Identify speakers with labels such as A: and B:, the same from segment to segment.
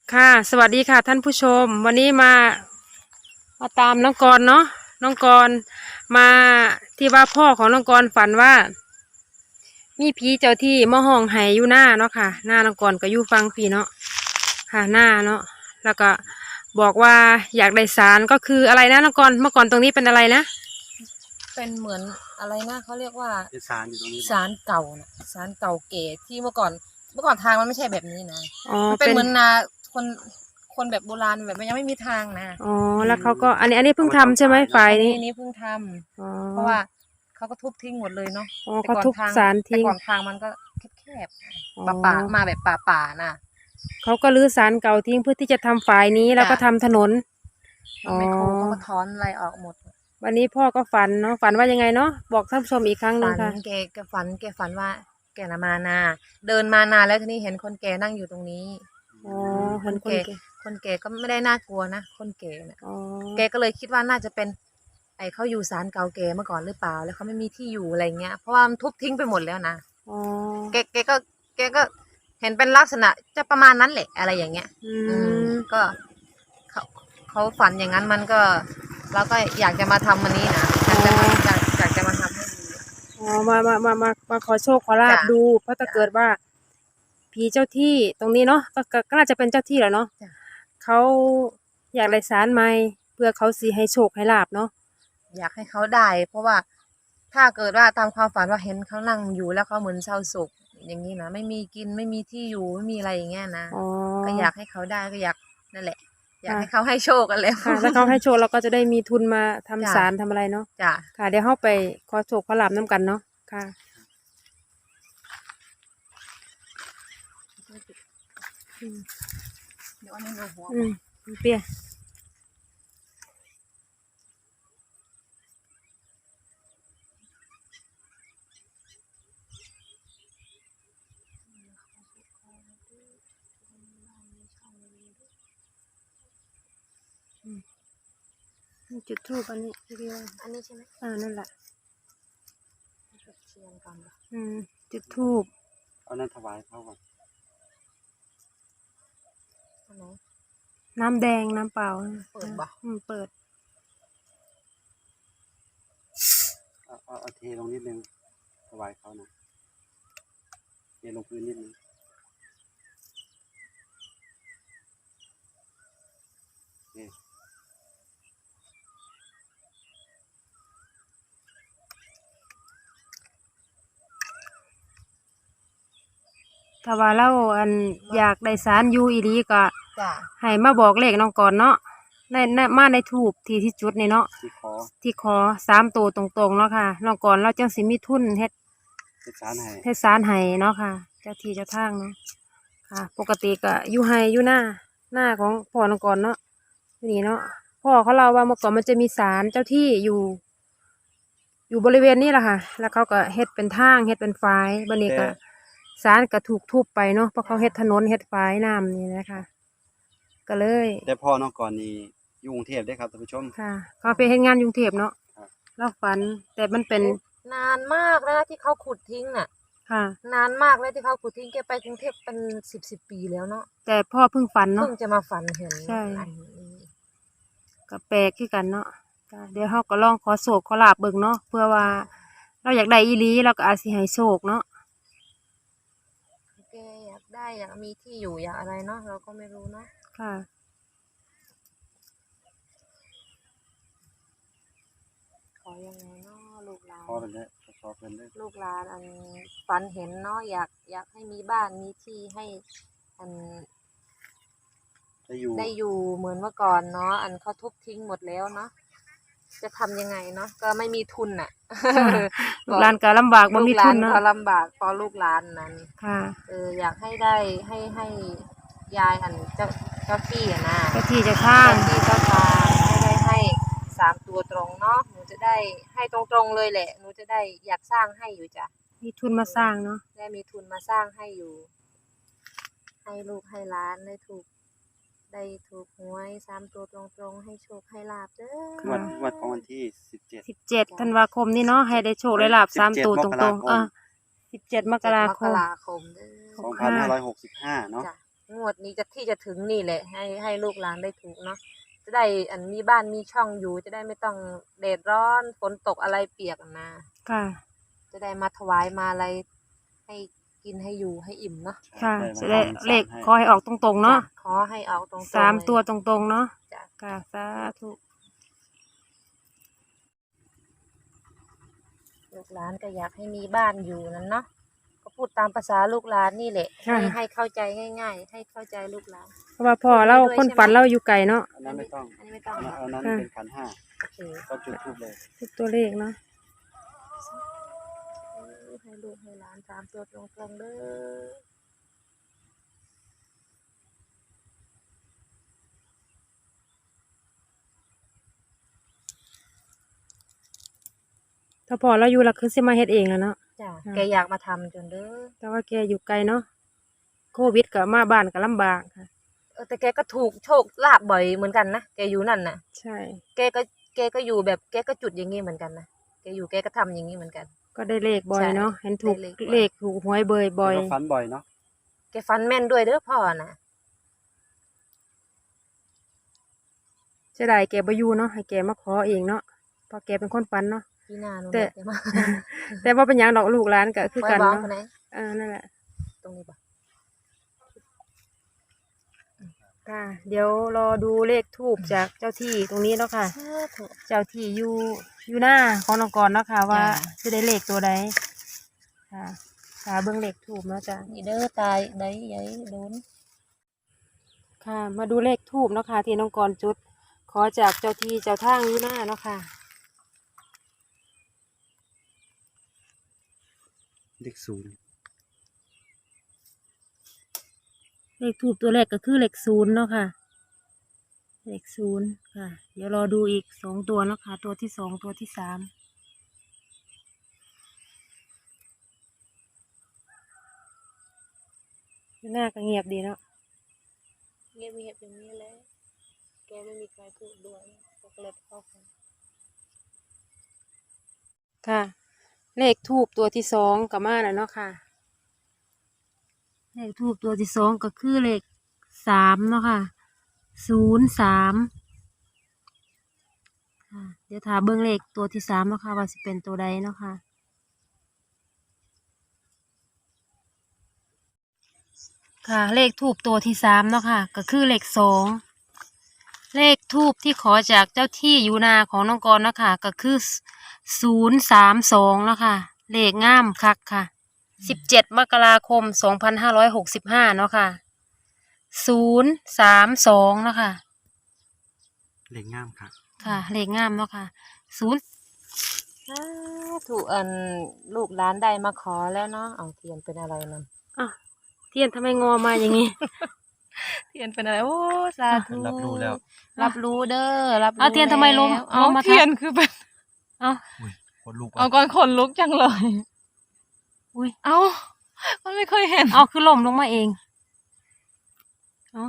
A: ค่ะสวัสดีค่ะท่านผู้ชมวันนี้มาตามน้องกรณ์เนาะน้องกรณ์มาที่ว่าพ่อของน้องกรณ์ฝันว่ามีผีเจ้าที่มาห้องไห้อยู่หน้าเนาะค่ะหน้าน้องกรณ์ก็อยู่ฟังพี่เนาะค่ะหน้าเนาะแล้วก็บอกว่าอยากได้ศาลก็คืออะไรนะน้องกรณ์เมื่อก่อนตรงนี้เป็นอะไรนะ
B: เป็นเหมือนอะไรนะเขาเรียกว่า
C: เป็นศาลอยู่ตรงนี้
B: ศาลเก่านะศาลเก่าเก๋ที่เมื่อก่อนทางมันไม่ใช่แบบนี้นะ
A: อ๋อ
B: มันเป็นเหมือนนาคนแบบโบราณแบบมันยังไม่มีทางนะ
A: อ๋อแล้วเขาก็อันนี้เพิ่งทำใช่ไหมฝ่ายนี้
B: นี่เพิ่งทำ
A: อ๋อ
B: เพราะว่าเขาก็ทุบทิ้งหมดเลยเนาะ
A: อ๋อเขาทุบศาล
B: แต่
A: ทิ้ง
B: ก่อนทางมันก็แคบ
A: อ๋อ
B: ป่ามาแบบป่าน่ะ
A: เขาก็รื้อศาลเก่าทิ้งเพื่อที่จะทำฝ่ายนี้แล้วก็ทำถนนอ๋อ
B: ไมโครเขาก็ถอนอะไรออกหมด
A: วันนี้พ่อก็ฝันเนาะฝันว่ายังไงเนาะบอกท่านผู้ชมอีกครั้งหนึ่ง
B: ฝัน
A: ค่ะ
B: แกฝันว่าแกน่ะมานาเดินมานาแล้วทีนี้เห็นคนแก่นั่งอยู่ตรงนี้
A: อ๋อเห็นคนแก่
B: คนแก่ก็ไม่ได้น่ากลัวนะคนแก่เนี่ย
A: อ๋อ
B: แกก็เลยคิดว่าน่าจะเป็นเขาอยู่ศาลเก่าแก่เมื่อก่อนหรือเปล่าแล้วเขาไม่มีที่อยู่อะไรเงี้ยเพราะว่ามันทุบทิ้งไปหมดแล้วนะ
A: อ๋อ
B: แกก็เห็นเป็นลักษณะจะประมาณนั้นแหละอะไรอย่างเงี้ยก็เขาเขาฝันอย่างนั้นมันก็เราก็อยากจะมาทำมันนี้นะอยากจะมาทำให้ดู
A: อ๋อมาขอโชคขอลาบดูเพราะถ้าเกิดว่าผีเจ้าที่ตรงนี้เนาะก็น่าจะเป็นเจ้าที่แหละเนาะเขาอยากได้ศาลใหม่เพื่อเขาสิให้โชคให้ลาบเนาะ
B: อยากให้เขาได้เพราะว่าถ้าเกิดว่าตามความฝันว่าเห็นเขานั่งอยู่แล้วเขาเหมือนเศร้าโศกอย่างนี้นะไม่มีกินไม่มีที่อยู่ไม่มีอะไรอย่างเงี้ยนะก็อยากให้เขาได้ก็อยากนั่นแหละอยากให้เขาให้โชคกันแล้ว
A: ค่ะถ้าเขาให้โชคเราก็จะได้มีทุนมาทำศาลทำอะไรเนาะ
B: จ้ะ
A: ค่ะเดี๋ยวเข้าไปขอโชคขอลาบน้ำกันเนาะค่ะ
B: เดี๋ยวอันนี้หัว
A: เปียจุดทูปอันนี้ที่เรียก
B: อันนี้ใช่ไหม
A: นั่นแหละ
B: เชียนก่อน
A: จุดทูป
C: เอานั้นถวายเขาก่อน
A: น้ำแดงน้ำเปล่า
B: เปิดบ่
A: เปิด
C: เอาเทลงนิดนึงถวายเขานะเทลงพื้นนิดนึง
A: ถ้าว่าเราอยากได้ศาลอยู่อีหลีก็
B: จ้ะ
A: ให้มาบอกเลขน้องก่อนเนาะมาในทูปที่จุดนี่เนาะที่ขอ3 ตัวตรงๆเนาะค่ะน้องก่อนเราจังสิมีทุนเฮ็ดศาลให้เนาะค่ะเจ้าที่เจ้าทางเนาะค่ะปกติก็อยู่ให้อยู่หน้าของพ่อน้องก่อนเนาะนี่เนาะพ่อเขาเล่าว่าเมื่อก่อนมันจะมีศาลเจ้าที่อยู่บริเวณนี้แหละค่ะแล้วเขาก็เฮ็ดเป็นทางเฮ็ดเป็นฝายบัดนี้ก็ศาลก็ถูกทุบไปเนาะเพราะเขาเฮ็ดถนนเฮ็ดฝายน้ำนี่นะคะก็เลย
C: แต่พ่อน้องก่อนนี่อยู่กรุงเทพได้ครับท่านผู้ชม
A: ค่ะเขาไปเฮ็ดงานกรุงเทพเนาะเราฝันแต่มันเป็น
B: นานมากแล้วนะที่เขาขุดทิ้งน่ะ
A: ค่ะ
B: นานมากแล้วที่เขาขุดทิ้งแกไปกรุงเทพเป็นสิบปีแล้วเนาะ
A: แต่พ่อเพิ่งฝันเนาะ
B: เพิ่งจะมาฝันเห็น
A: ใช่ก็แปลกคือกันเนาะเดี๋ยวเขาก็ลองขอโศกขอลาบเบิ่งเนาะเพื่อว่าเราอยากได้อีหลีเราก็อาจสิให้โชคเนาะ
B: แกอยากได้อยากมีที่อยู่อยากอะไรเนาะเราก็ไม่รู้เนาะ
A: ค่ะ
B: ขอยังไงเนาะลูกหลาน
C: ขอเป็นเลยขอเป็นเลย
B: ลูกหลานฝันเห็นเนาะอยากให้มีบ้านมีที่ให้ได้อยู่เหมือนเมื่อก่อนเนาะเขาทุบทิ้งหมดแล้วเนาะจะทำยังไงเนาะก็ไม่มีทุนอ่ะ
A: ลูกหลานก็ลำบากบ่มีทุนเนาะ
B: ก็ลำบากพอลูกหลานนั้น
A: ค่ะ
B: อยากให้ได้ให้ยายเจ้าที่อะนะ
A: เจ้าที่เจ้าทาง
B: เจ้าทางให้3 ตัวตรงเนาะหนูจะได้ให้ตรงๆเลยแหละหนูจะได้อยากสร้างให้อยู่จ้ะ
A: มีทุนมาสร้างเนาะ
B: ได้มีทุนมาสร้างให้อยู่ให้ลูกให้หลานได้ถูกหวย3 ตัวตรงๆให้โชคให้ลาภเด้อ
C: วันของวันที่
A: 17 ธันวาคมนี่เนาะให้ได้โชคได้ลาภ3 ตัวตรงๆ17 มกราคม
C: 2565เนาะ
B: จ้ะงวดนี้ที่จะถึงนี่แหละให้ลูกหลานได้ถูกเนาะจะได้มีบ้านมีช่องอยู่จะได้ไม่ต้องแดดร้อนฝนตกอะไรเปียกนะ
A: ค่ะ
B: จะได้มาถวายมาอะไรให้กินให้อยู่ให้อิ่มเนาะ
A: ค่ะ
C: ได้
A: จะได้
C: มาทำ
A: เลข
C: ให้
A: ขอให้ออกตรงๆเนาะ
B: ขอให้ออกตรงๆ
A: สาม
B: เลย
A: ตัวตรงๆเนาะ
B: จ้ะ
A: ค่ะสาธุ
B: ลูกหลานก็อยากให้มีบ้านอยู่นั่นเนาะก็พูดตามภาษาลูกหลานนี่แหละให้เข้าใจง่ายๆให้เข้าใจลูกหลาน
A: เพราะว่าพ่อเราคนฝันเราอยู่ไกลเนาะ
C: อันนั้นไม่ต้อง
B: อันนี้ไม่ต้อง
C: อันนั้นเป็นขันห้า
B: โอเค
C: ก็จุดทูบเลย
A: ทุกตัวเลขเนาะ
B: ให้ลูกให้หลานตามตัวตรงๆเด้อ
A: ถ้าพ่อเราอยู่เราคือสิมาเฮ็ดเองแล้วเนาะ
B: จ้ะ
A: ค่ะ
B: แกอยากมาทำจนเด้อ
A: แต่ว่าแกอยู่ไกลเนาะโควิดก็มาบ้านก็ลำบากค่ะ
B: แต่แกก็ถูกโชคลาภบ่อยเหมือนกันนะแกอยู่นั่นน่ะ
A: ใช่
B: แกก็อยู่แบบแกก็จุดอย่างงี้เหมือนกันนะแกอยู่แกก็ทำอย่างงี้เหมือนกัน
A: ก็ได้เลขบ่อยเนาะ
B: ใช่
A: เห็นถูก
B: ได้เลขบ่อย
A: เลขถูกหวยเบยบ่อย
C: แล้วก็ฝันบ่อยเนาะ
B: แกฟันแม่นด้วยเด้อพ่อน่ะ
A: เสียดายแกบ่อยู่เนาะให้แกมาขอเองเนาะเพราะแกเป็นคนฝันเนาะ
B: พี่นาหนู
A: แต่
B: แกมา
A: แต่ว่าเป็นหยังดอกลูกหลานก็คือกัน
B: ไว้บอก
A: เนาะ
B: คนไหน
A: นั่นแหละ
B: ตรงนี้ปะ
A: ค่ะ เดี๋ยวรอดูเลขทูบจากเจ้าที่ตรงนี้เนาะค่ะ เจ้าที่อยู่หน้าของน้องกรเนาะค่ะ ว่าจะได้เลขตัวใดค่ะค่ะเบิ่งเลขทูบเนาะจ้ะ
B: นี่เด้อตายได้ยัยโดน
A: ค่ะ มาดูเลขทูบเนาะค่ะที่น้องกรจุด ขอจากเจ้าที่เจ้าทางอยู่หน้าเนาะค่ะ
C: เลขศูนย์
A: เลขทูบตัวแรกก็คือเลขศูนย์เนาะค่ะ เลขศูนย์ค่ะ เดี๋ยวรอดูอีกสองตัวเนาะค่ะ ตัวที่สองตัวที่สามหน้าก็เงียบดีเนาะ
B: เงียบอย่างนี้แหละแกไม่มีใครพูดด้วยก็เลยเข้ากัน
A: ค่ะ เลขทูบตัวที่สองกับมาแล้วเนาะค่ะ เลขทูบตัวที่สองก็คือเลขสามเนาะค่ะ03ค่ะเดี๋ยวถาเบิ้งเลขตัวที่สามเนาะค่ะว่าสิเป็นตัวใดเนาะค่ะ ค่ะเลขทูบตัวที่สามเนาะค่ะก็คือเลขสองเลขทูบที่ขอจากเจ้าที่อยู่นาของน้องกรเนาะค่ะก็คือ032เนาะค่ะเลขงามคักค่ะ17 มกราคม 2565เนาะค่ะ032เนาะค่ะ
C: เลขงามครับ
A: ค่ะเลขงามเนาะค่ะ
B: ถูกลูกหลานได้มาขอแล้วเนาะเอาเทียนเป็นอะไรนั่น
A: อ่ะเทียนทำไมงอมาอย่างนี้
B: เทียนเป็นอะไรโอ้สาธุ
C: รับรู้แล้ว
B: รับรู้เด้อรับรู้
A: เอาเทียนทำไมล้ม
B: แล้วเอา
A: ล้มมาทับ
B: เทียนคือเป็น
A: เอ้า
C: อุ้ยคนลูก
B: เอาก่อนขนลุกจังเลย
A: อุ้ย
B: เอามันไม่เคยเห็น
A: เอาคือล่มลงมาเองเอา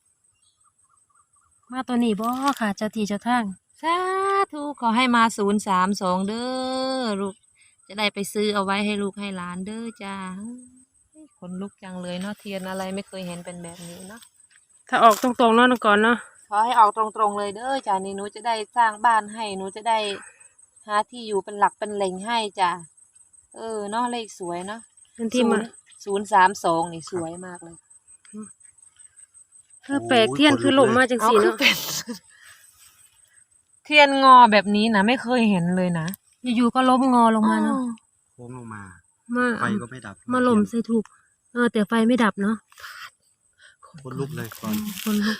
A: มาตัวนี้บ่ค่ะเจ้าที่เจ้าทาง
B: สาธุขอให้มา032เด้อลูกจะได้ไปซื้อเอาไว้ให้ลูกให้หลานเด้อจ้าขนลุกจังเลยเนาะเทียนอะไรไม่เคยเห็นเป็นแบบนี้เนาะ
A: ถ้าออกตรงๆเนาะน้องก่อนเนาะ
B: ขอให้ออกตรงๆเลยเด้อจ้านี่หนูจะได้สร้างบ้านให้หนูจะได้หาที่อยู่เป็นหลักเป็นแหล่งให้จ้าเนาะเลขสวยเนาะ
A: เป็นที่มา
B: 032นี่สวยมากเลย
A: แปลกเทียนคือล่มมาจังสีเนาะ
B: เทียนงอแบบนี้นะไม่เคยเห็นเลยนะ
A: อยู่ๆก็ล้มงอลงมาเนาะ
C: โค้งลงมา
A: มา
C: ไฟก็ไม่ดับ
A: มาล่มใส่ถูกแต่ไฟไม่ดับเนาะ
C: คนลุกเลยก่อน
A: คนลุก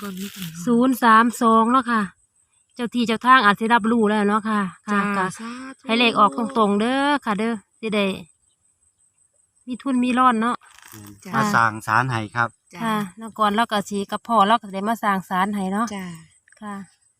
A: 032เนาะค่ะ เจ้าที่เจ้าทางอาจจะรับรู้แล้วเนาะค่ะค่ะก็ให้เลขออกตรงๆเด้อค่ะเด้อสิได้มีทุนมีร่อนเนาะ
B: จ้ะ
C: มาสั่งสารให้ครับ
A: ค่ะแล้วก่อนเราก็สีกับพ่อเราก็ได้มาสร้างศาลให้เนาะ
B: จ้า
A: ค่ะ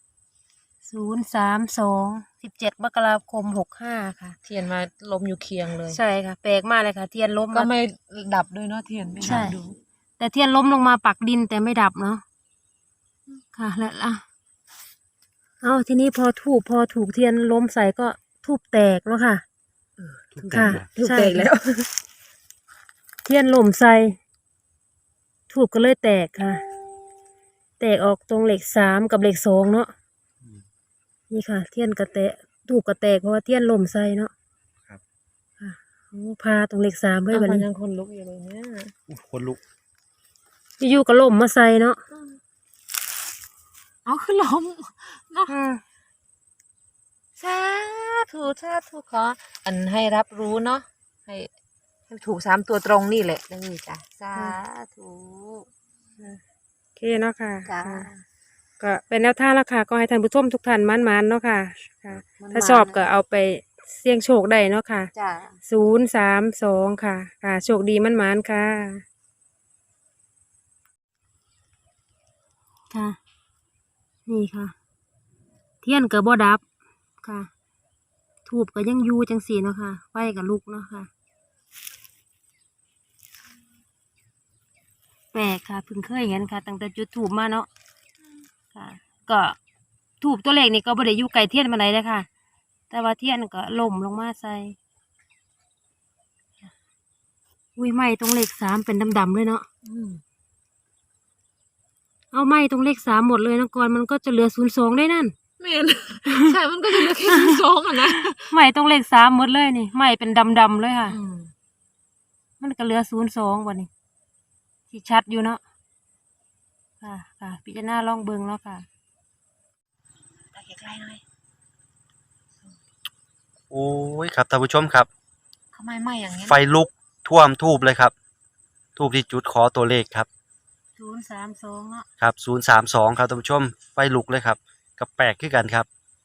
A: 032 17 มกราคม 65ค่ะ
B: เทียนมาล้มอยู่เคียงเลย
A: ใช่ค่ะ แปลกมากเลยค่ะ เทียนล้ม
B: ก็
A: มา
B: ไม่ดับด้วยเนาะเทียนไม่
A: ใช่
B: ดับดู
A: แต่เทียนล้มลงมาปักดินแต่ไม่ดับเนาะค่ะแล้วเอาทีนี้พอถูกเทียนล้มใส่ก็ทูบแตกแล้วค่ะ
C: ทุก
A: ค่ะ
C: แต่
A: ใช่เทียนหล่มใส่ทูบก็เลยแตกค่ะ แตกออกตรงเลข3กับเลข2เนาะนี่ค่ะ เทียนกระแตกทูบกระแตกเพราะว่าเทียนล่มใส่เนาะ
C: ครับ
A: ค่ะโอ้พาตรงเลข3เลย
B: เอา
A: บัด
B: คน
A: นี้
B: ยังคนลุกอยู่เลยเนี่ย
C: คนลุก
A: อยู่ๆก็ล่มมาใส่เนาะ
B: เอาคือล้มเนาะ
A: อืม
B: สาธุขออันให้รับรู้เนาะให้ถูก3ตัวตรงนี่แหละนี่จ้ะสาธุ
A: โอเคเนาะค่ะ
B: จ้า
A: ค่ะก็เป็นแนวทางแล้วค่ะ ก็ให้ท่านผู้ชมทุกท่านมั่นๆเนาะค่ะ ค่ะ ถ้าชอบก็เอาไปเสี่ยงโชคได้เนาะค่ะ
B: จ้า
A: 032ค่ะ ค่ะ โชคดีมั่นๆค่ะ ค่ะ นี่ค่ะ เทียนก็บ่ดับค่ะ ทูบก็ยังอยู่จังสี่เนาะค่ะ ไฟก็ลุกเนาะค่ะ แปลกค่ะเพิ่งเคยเห็นค่ะตั้งแต่จุดทูบมาเนาะค่ะ ก็ทูบตัวเลขนี่ก็บ่ได้อยู่ไกลเทียนมาไหนเลยค่ะ แต่ว่าเทียนก็ล่มลงมาใส่อุ้ยไหม้ตรงเลข3เป็นดำๆเลยเนาะเอาไหม้ตรงเลข3หมดเลยนะก่อนมันก็จะเหลือ02ได้นั่น
B: เมน ใช่มันก็จะเหลือแค่2อ่ะนะ
A: ไหม้ตรงเลข3หมดเลยนี่ไหม้เป็นดำๆเลยค่ะ มันก็เหลือ02วันนี้ที่ชัดอยู่เนาะค่ะ ค่ะ พิจารณาลองเบิ่งเนาะค่ะ
B: ตาใกล้ๆหน่อย
C: โอ้ยครับท่านผู้ชมครับ
B: ทำไมไหม้อย่างนี้
C: ไฟลุกท่วมทูบเลยครับ ทูบที่จุดขอตัวเลขครับ
A: 032เนาะ
C: ครับ032ครับท่านผู้ชม ไฟลุกเลยครับกับแปลกขึ้นกันครับ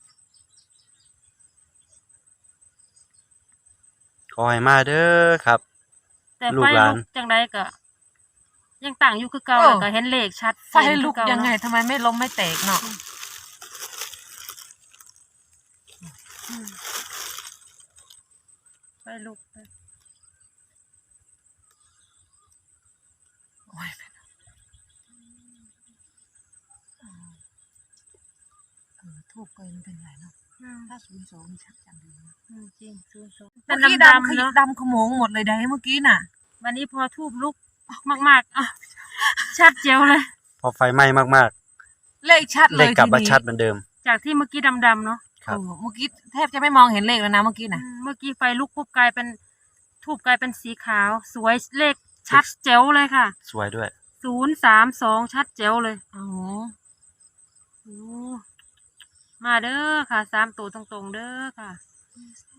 C: ขอให้มาเด้อครับ
A: แต่
C: ลู
A: ไฟ
C: กหลาน
A: ลุกจังไดก็ยังต่างอยู่คือเก่าแล้วก็เห็นเลขชัด
B: ไฟลุกยังไงทำไมไม่ล้มไม่แตกเนาะ
A: ไฟลุก
B: โอ้ยทูบก็ยังเป็นไรเนาะถ้า02นี่ชัดจังเลยนะ
A: จริง02
B: เมื่อกี้
A: ดำ
B: ดำ
A: ๆเนาะ
B: ดำขโมงหมดเลยได้เมื่อกี้น่ะ
A: วันนี้พอทูบลุกมากๆอ่ะชัดเจียวเลย
C: พอไฟไหม้มาก
B: เลขชัด
C: ๆ
B: เล
C: เลข
B: ย
C: กลับมา
B: ทีนี้
C: ชัดเหมือนเดิม
A: จากที่เมื่อกี้ดำๆเนาะ
C: ครับ
B: เมื่อกี้แทบจะไม่มองเห็นเลขแล้วนะเมื่อกี้น่ะ
A: เมื่อกี้ไฟลุกปุ๊บกลายเป็นทูบกลายเป็นสีขาว สวยเลขชัดเจ๋วเลยค่ะ
C: สวยด้วย
A: 032ชัดเจ๋วเลย
B: อ๋อ
A: โอ้มาเด้อค่ะ3ตัวตรงๆเด้อค่ะ
B: ส